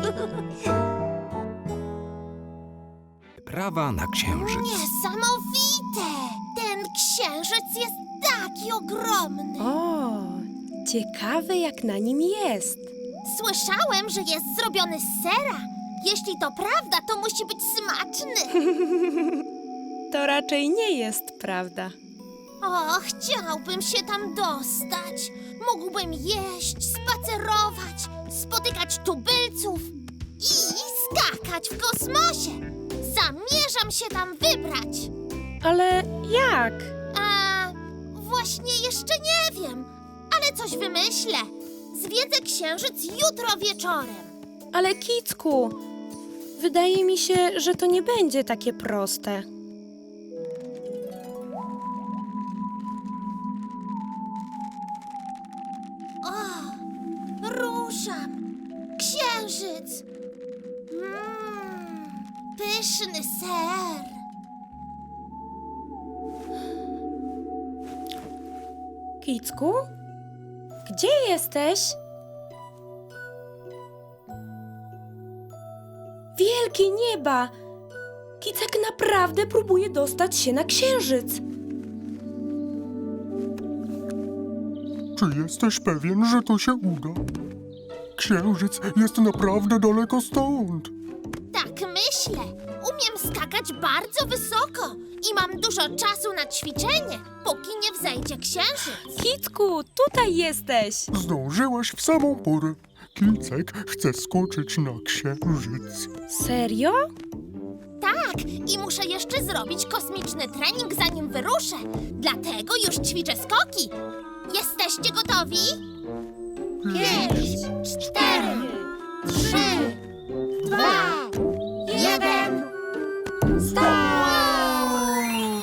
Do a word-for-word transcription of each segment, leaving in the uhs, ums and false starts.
Prawa na księżyc. Niesamowite! Ten księżyc jest taki ogromny. O, ciekawe jak na nim jest. Słyszałem, że jest zrobiony z sera. Jeśli to prawda, to musi być smaczny. To raczej nie jest prawda. O, chciałbym się tam dostać. Mógłbym jeść, spacerować, spotykać tubylców i skakać w kosmosie. Zamierzam się tam wybrać. Ale jak? A właśnie jeszcze nie wiem, ale coś wymyślę. Zwiedzę księżyc jutro wieczorem. Ale Kicku, wydaje mi się, że to nie będzie takie proste. O, ruszam. Księżyc. Mmm, pyszny ser. Kicku? Gdzie jesteś? Wielkie nieba! Kicek naprawdę próbuje dostać się na księżyc. Czy jesteś pewien, że to się uda? Księżyc jest naprawdę daleko stąd. Tak myślę. Umiem skakać bardzo wysoko i mam dużo czasu na ćwiczenie, póki nie wzejdzie księżyc. Kicku, tutaj jesteś! Zdążyłaś w samą porę. Kicek chce skoczyć na księżyc. Serio? Tak, i muszę jeszcze zrobić kosmiczny trening, zanim wyruszę. Dlatego już ćwiczę skoki. Jesteście gotowi? Pięć, cztery, trzy, dwa, jeden. Start!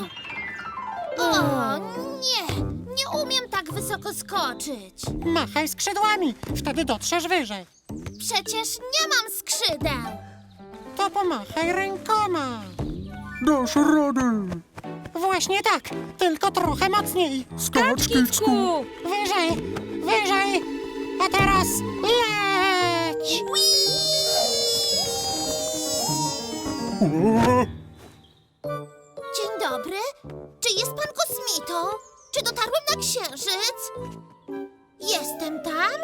O nie, nie umiem tak wysoko skoczyć. Machaj skrzydłami, wtedy dotrzesz wyżej. Przecież nie mam skrzydeł. To pomachaj rękoma. Dasz radę. Właśnie tak, tylko trochę mocniej. Skacz, Kicku. Kicku! Wyżej, wyżej, a teraz leć! O, Dzień dobry. Czy jest pan kosmitą? Czy dotarłem na księżyc? Jestem tam?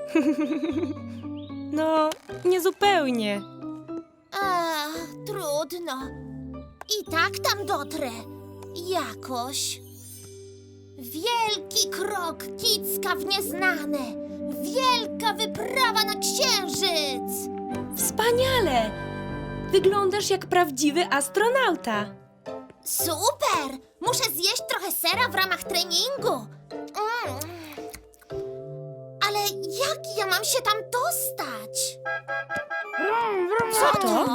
No, niezupełnie. A, trudno. I tak tam dotrę. Jakoś. Wielki krok Kicka w nieznane. Wielka wyprawa na księżyc. Wspaniale! Wyglądasz jak prawdziwy astronauta. Super! Muszę zjeść trochę sera w ramach treningu. Mm. Ale jak ja mam się tam dostać? Co to?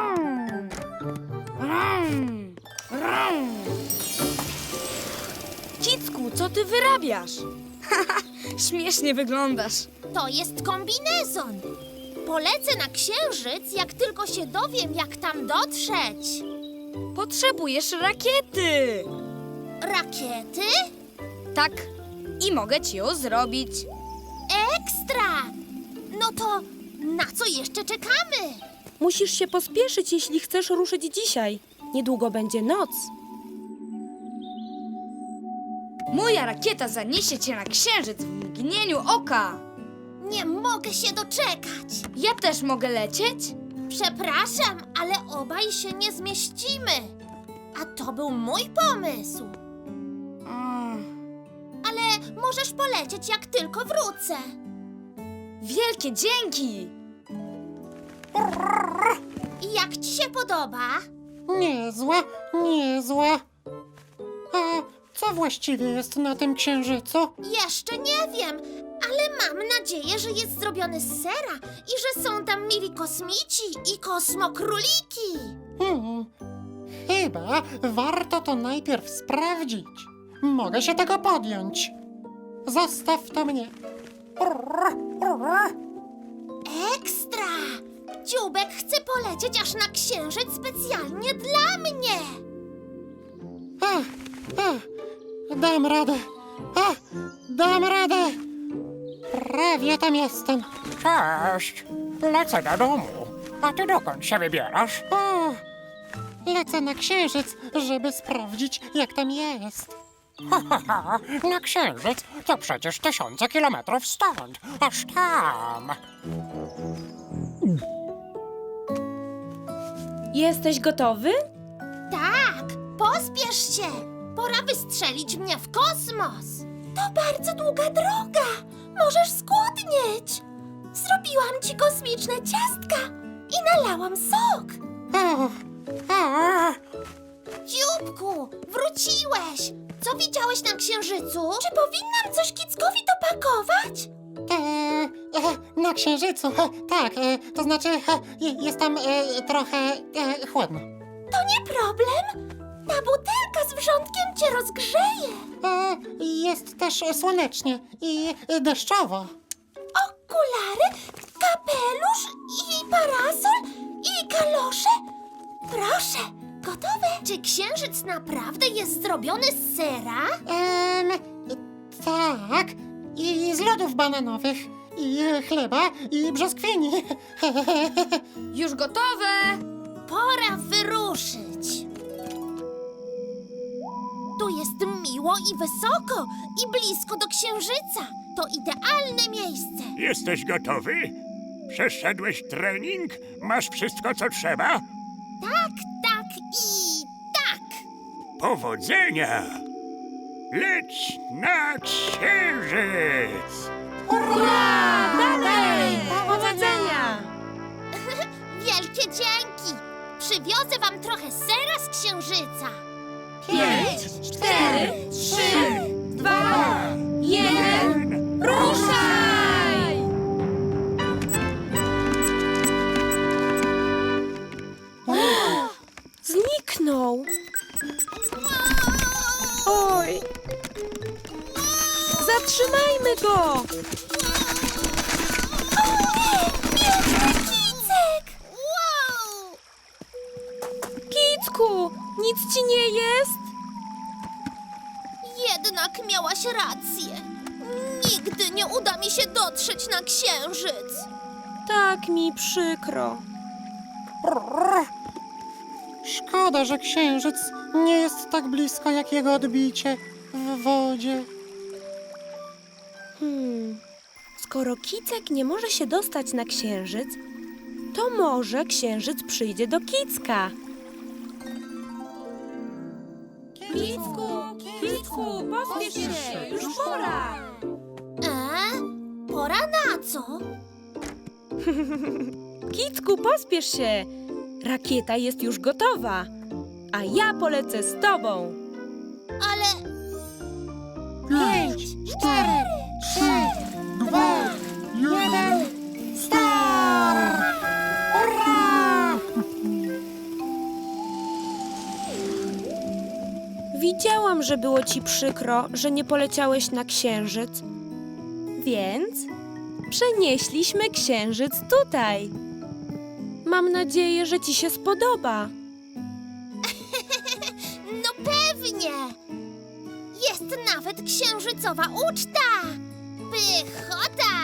Kicku, co ty wyrabiasz? Śmiesznie wyglądasz. To jest kombinezon. Polecę na księżyc, jak tylko się dowiem, jak tam dotrzeć. Potrzebujesz rakiety. Rakiety? Tak, i mogę ci ją zrobić. Ekstra! No to na co jeszcze czekamy? Musisz się pospieszyć, jeśli chcesz ruszyć dzisiaj. Niedługo będzie noc. Moja rakieta zaniesie cię na księżyc w mgnieniu oka. Nie mogę się doczekać. Ja też mogę lecieć? Przepraszam, ale obaj się nie zmieścimy. A to był mój pomysł. Mm, Ale możesz polecieć, jak tylko wrócę. wielkie dzięki. I jak ci się podoba? Niezłe, niezłe. A co właściwie jest na tym księżycu? Jeszcze nie wiem, ale mam nadzieję, że jest zrobiony z sera i że są tam mili kosmici i kosmokróliki. Hmm, chyba warto to najpierw sprawdzić. Mogę się tego podjąć. Zostaw to mnie. Ekstra! Dziubek chce polecieć aż na księżyc specjalnie dla mnie. Ach, ach, dam radę. Ach, dam radę. Prawie tam jestem. Cześć, lecę do domu. A ty dokąd się wybierasz? O, lecę na księżyc, żeby sprawdzić, jak tam jest. Ha, ha, ha, na księżyc to przecież tysiące kilometrów stąd, aż tam. Jesteś gotowy? Tak, pospiesz się. Pora wystrzelić mnie w kosmos. To bardzo długa droga. Możesz skłodnieć. Zrobiłam ci kosmiczne ciastka i nalałam sok. O, o, Dzióbku, wróciłeś. Co widziałeś na księżycu? Czy powinnam coś Kickowi dopakować? e, e, na księżycu, e, tak, e, to znaczy e, je- jest tam e, trochę e, chłodno. To nie problem. Ta butelka z wrzątkiem cię rozgrzeje. E, jest też słonecznie i e, deszczowo. Okulary, kapelusz i parasol i kalosze. Proszę, gotowe? Czy księżyc naprawdę jest zrobiony z sera? Em, tak, i z lodów bananowych, i e, chleba, i brzoskwini. Już gotowe! Pora wyruszyć. Tu jest miło i wysoko i blisko do księżyca. To idealne miejsce. Jesteś gotowy? Przeszedłeś trening? Masz wszystko, co trzeba? Tak, tak i tak. Powodzenia! Leć na księżyc! Dalej! Powodzenia! Wielkie dzięki. Przywiozę wam trochę sera z księżyca. Pięć, cztery, trzy, dwa, jeden, ruszaj! Zniknął. Oj. Zatrzymajmy go! Kicek! Wow! Kicku, nic ci nie jest? Jednak miałaś rację. Nigdy nie uda mi się dotrzeć na księżyc. Tak mi przykro. Szkoda, że księżyc nie jest tak blisko jak jego odbicie w wodzie. Hmm. Skoro Kicek nie może się dostać na księżyc, to może księżyc przyjdzie do Kicka. Kicku, Kicku, pospiesz się, już pora. E? Pora na co? Kicku, pospiesz się. Rakieta jest już gotowa, a ja polecę z tobą. Ale Pięć, cztery, trzy, dwa, jeden, start! Hurra! Widziałam, że było ci przykro, że nie poleciałeś na księżyc. Więc przenieśliśmy księżyc tutaj. Mam nadzieję, że ci się spodoba. no pewnie. Jest nawet księżycowa uczta. Pychota!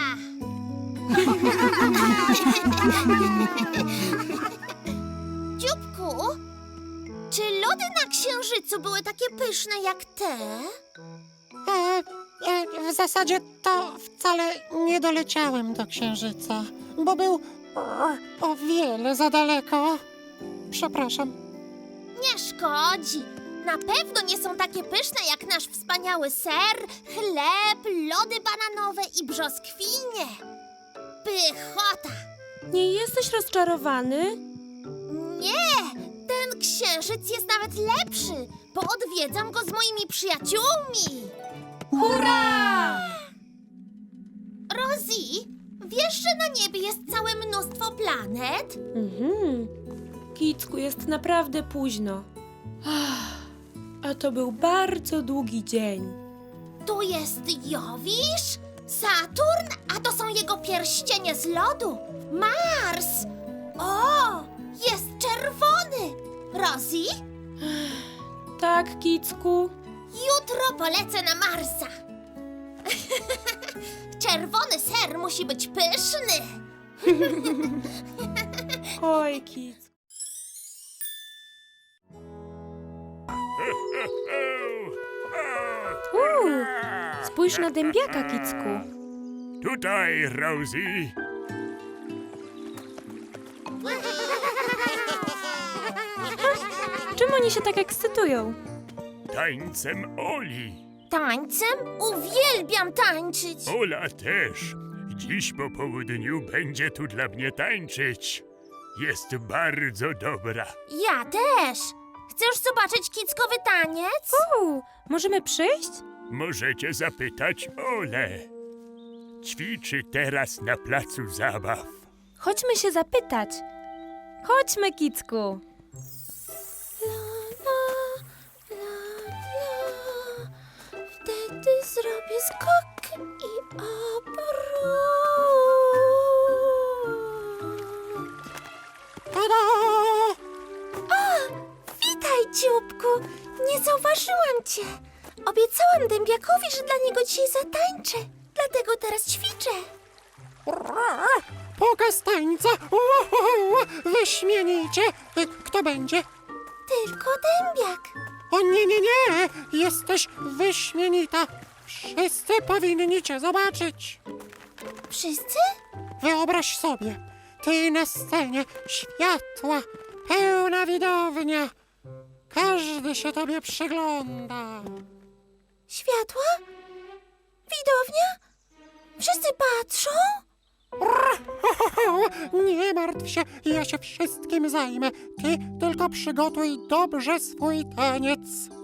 Dzióbku, czy lody na księżycu były takie pyszne jak te? E, e, w zasadzie to wcale nie doleciałem do księżyca, bo był e, o wiele za daleko. Przepraszam. Nie szkodzi. Na pewno nie są takie pyszne jak nasz wspaniały ser, chleb, lody bananowe i brzoskwinie. Pychota! Nie jesteś rozczarowany? Nie! Ten księżyc jest nawet lepszy, bo odwiedzam go z moimi przyjaciółmi. Hurra! Rosie, wiesz, że na niebie jest całe mnóstwo planet? Mhm. Kicku, jest naprawdę późno. Ach, a to był bardzo długi dzień. Tu jest Jowisz, Saturn, a to są jego pierścienie z lodu. Mars! O, jest czerwony! Rosie, Tak, Kicku? jutro polecę na Marsa. Czerwony ser musi być pyszny. Oj, Kicku. Uuu, spójrz na dębiaka, Kicku. Tutaj, Rosie. Czym oni się tak ekscytują? Tańcem Oli. Tańcem? Uwielbiam tańczyć. Ola też. Dziś po południu będzie tu dla mnie tańczyć. Jest bardzo dobra. Ja też. Chcesz zobaczyć kickowy taniec? Uuu, możemy przyjść? Możecie zapytać Olę. Ćwiczy teraz na placu zabaw. Chodźmy się zapytać. Chodźmy, Kicku. La, la, la. Wtedy zrobię skok i obrót. Tada! O, witaj, dzióbku. Nie zauważyłam cię. Obiecałam dębiakowi, że dla niego dzisiaj zatańczę. Dlatego teraz ćwiczę. Pokaz tańca! Uhu, wyśmienicie! Kto będzie? Tylko dębiak. O nie, nie, nie! Jesteś wyśmienita! Wszyscy powinni cię zobaczyć! Wszyscy? Wyobraź sobie, ty na scenie, światła, pełna widownia. Każdy się tobie przygląda. Światła? Widownia? Wszyscy patrzą? Nie martw się, ja się wszystkim zajmę. Ty tylko przygotuj dobrze swój taniec.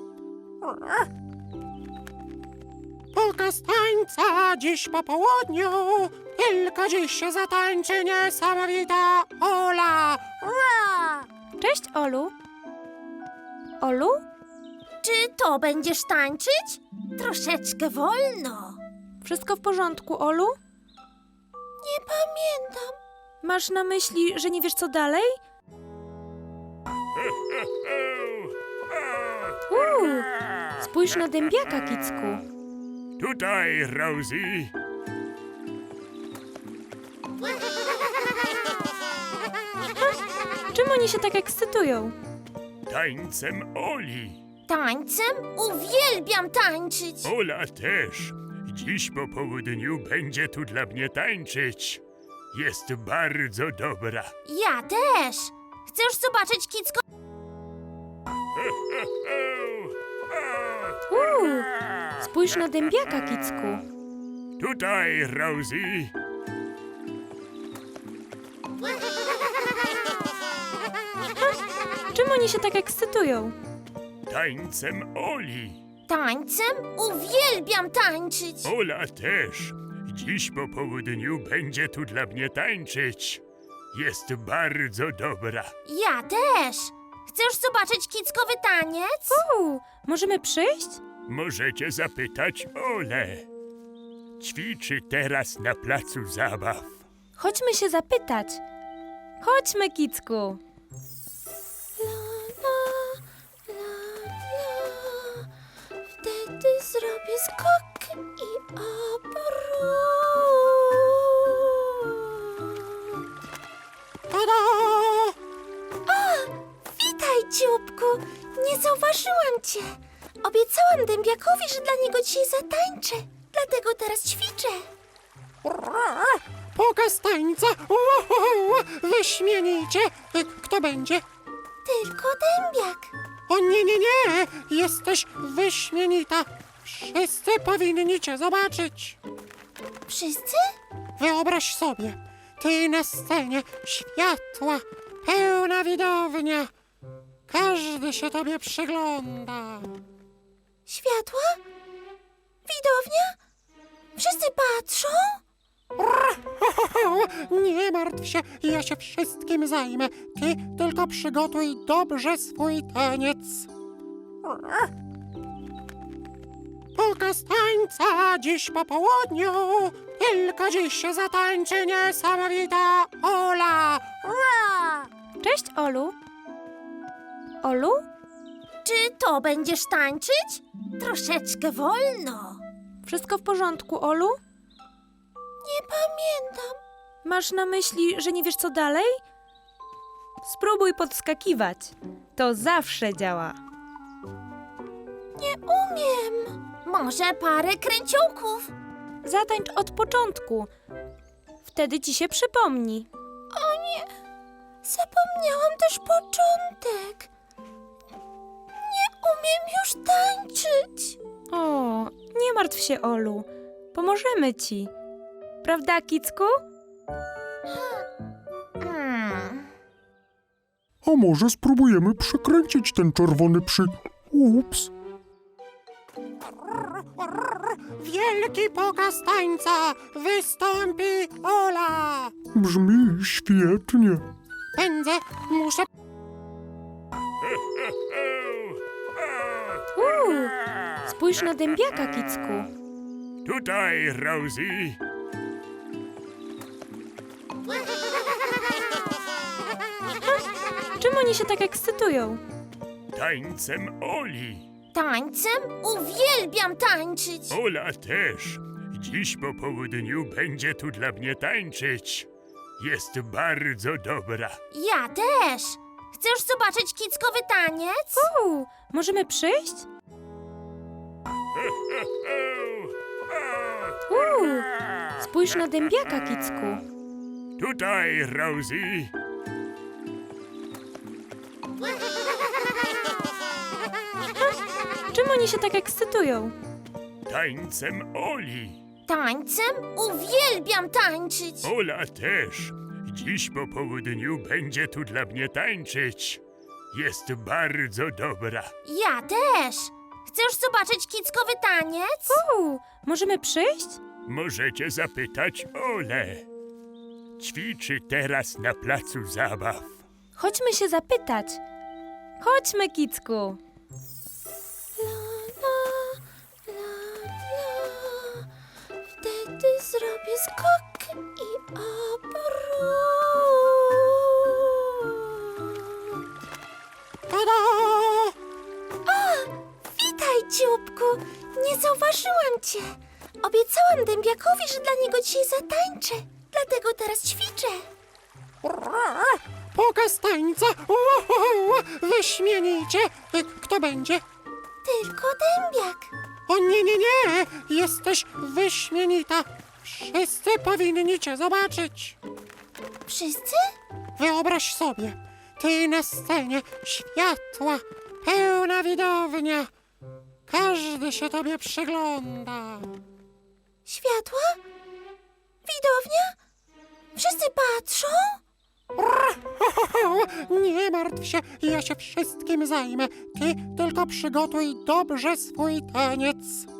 Pokaz tańca dziś po południu. Tylko dziś się zatańczy niesamowita Ola. Ua! Cześć, Olu. Olu? Czy to będziesz tańczyć? Troszeczkę wolno. Wszystko w porządku, Olu? Nie pamiętam. Masz na myśli, że nie wiesz co dalej? Uuu, spójrz na dębiaka, Kicku. Tutaj, Rosie. Czym oni się tak ekscytują? Tańcem Oli. Tańcem? Uwielbiam tańczyć. Ola też. Dziś po południu będzie tu dla mnie tańczyć. Jest bardzo dobra. Ja też. Chcesz zobaczyć kicko? Uuu, spójrz na dębiaka, Kicku. Tutaj, Rosie. Czym oni się tak ekscytują? Tańcem Oli. Tańcem? Uwielbiam tańczyć. Ola też. Dziś po południu będzie tu dla mnie tańczyć. Jest bardzo dobra. Ja też. Chcesz zobaczyć kickowy taniec? Uuu, możemy przyjść? Możecie zapytać Olę. Ćwiczy teraz na placu zabaw. Chodźmy się zapytać. Chodźmy, Kicku. La, la, la, la. Wtedy zrobię skok i obrót. Tada! O, witaj, dzióbku. Nie zauważyłam cię. Obiecałam dębiakowi, że dla niego dzisiaj zatańczę. Dlatego teraz ćwiczę. Pokaz tańca! Uhu, wyśmienicie! Kto będzie? Tylko dębiak. O nie, nie, nie! Jesteś wyśmienita! Wszyscy powinni cię zobaczyć! Wszyscy? Wyobraź sobie, ty na scenie, światła, pełna widownia. Każdy się tobie przygląda. Światła? Widownia? Wszyscy patrzą? Nie martw się, ja się wszystkim zajmę. Ty tylko przygotuj dobrze swój taniec. Pokaz tańca dziś po południu. Tylko dziś się zatańczy niesamowita Ola. Ua! Cześć, Olu. Olu? Czy to będziesz tańczyć? Troszeczkę wolno. Wszystko w porządku, Olu? Nie pamiętam. Masz na myśli, że nie wiesz co dalej? Spróbuj podskakiwać. To zawsze działa. Nie umiem. Może parę kręciołków? Zatańcz od początku. Wtedy ci się przypomni. O nie, zapomniałam też początek. Nie umiem już tańczyć. O, nie martw się, Olu. Pomożemy ci. Prawda, Kicku? Hmm. A może spróbujemy przekręcić ten czerwony przy... Ups. Wielki pokaz tańca! Wystąpi Ola! Brzmi świetnie. Pędzę, muszę... Uuu, spójrz na dębiaka, Kicku. Tutaj, Rosie. Czym oni się tak ekscytują? Tańcem Oli. Tańcem? Uwielbiam tańczyć. Ola też. Dziś po południu będzie tu dla mnie tańczyć. Jest bardzo dobra. Ja też. Chcesz zobaczyć kickowy taniec? Uuu, możemy przyjść? Uuu, spójrz na dębiaka, Kicku. Tutaj, Rosie. Czym oni się tak ekscytują? Tańcem Oli. Tańcem? Uwielbiam tańczyć. Ola też. Dziś po południu będzie tu dla mnie tańczyć. Jest bardzo dobra. Ja też. Chcesz zobaczyć kickowy taniec? Uuu, możemy przyjść? Możecie zapytać Olę. Ćwiczy teraz na placu zabaw. Chodźmy się zapytać. Chodźmy, Kicku. La, la, la, la. Wtedy zrobię skok i obrót. Tada! O, witaj, dzióbku. Nie zauważyłam cię. Obiecałam dębiakowi, że dla niego dzisiaj zatańczę. Dlatego teraz ćwiczę. Pokaz tańca! Uhu, wyśmienicie! Kto będzie? Tylko dębiak. O nie, nie, nie! Jesteś wyśmienita! Wszyscy powinni cię zobaczyć! Wszyscy? Wyobraź sobie, ty na scenie, światła, pełna widownia. Każdy się tobie przygląda. Światła? Widownia? Wszyscy patrzą? Nie martw się, ja się wszystkim zajmę. Ty tylko przygotuj dobrze swój taniec.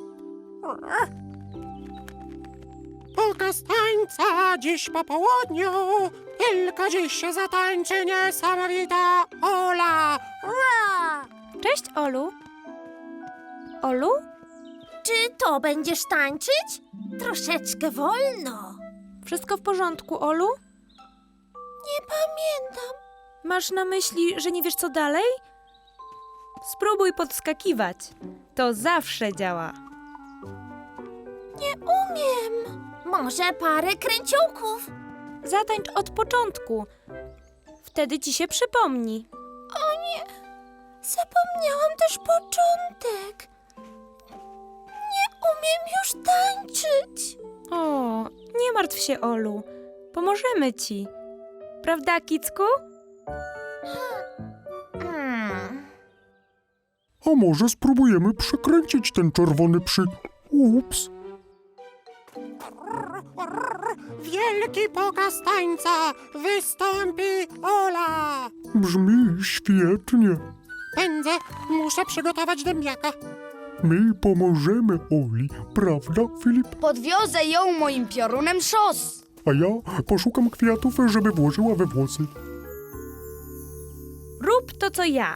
Pokaz tańca dziś po południu. Tylko dziś się zatańczy niesamowita Ola. Ua! Cześć, Olu. Olu? Czy to będziesz tańczyć? Troszeczkę wolno. Wszystko w porządku, Olu? Nie pamiętam. Masz na myśli, że nie wiesz co dalej? Spróbuj podskakiwać. To zawsze działa. Nie umiem. Może parę kręciołków? Zatańcz od początku. Wtedy ci się przypomni. O nie, zapomniałam też początek. Nie umiem już tańczyć. O, nie martw się, Olu. Pomożemy ci. Prawda, Kicku? Hmm. A może spróbujemy przekręcić ten czerwony przy... Ups. Wielki pokaz tańca. Wystąpi Ola. Brzmi świetnie. Pędzę, muszę przygotować dębiaka. My pomożemy Oli, prawda, Filip? Podwiozę ją moim piorunem szos. A ja poszukam kwiatów, żeby włożyła we włosy. Rób to, co ja.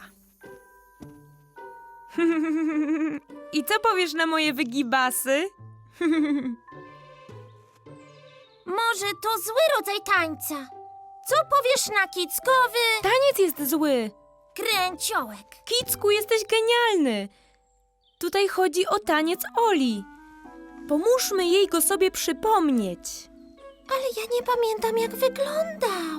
I co powiesz na moje wygibasy? Może to zły rodzaj tańca. Co powiesz na kickowy Taniec jest zły. kręciołek? Kicku, jesteś genialny. Tutaj chodzi o taniec Oli. Pomóżmy jej go sobie przypomnieć. Ale ja nie pamiętam, jak wygląda.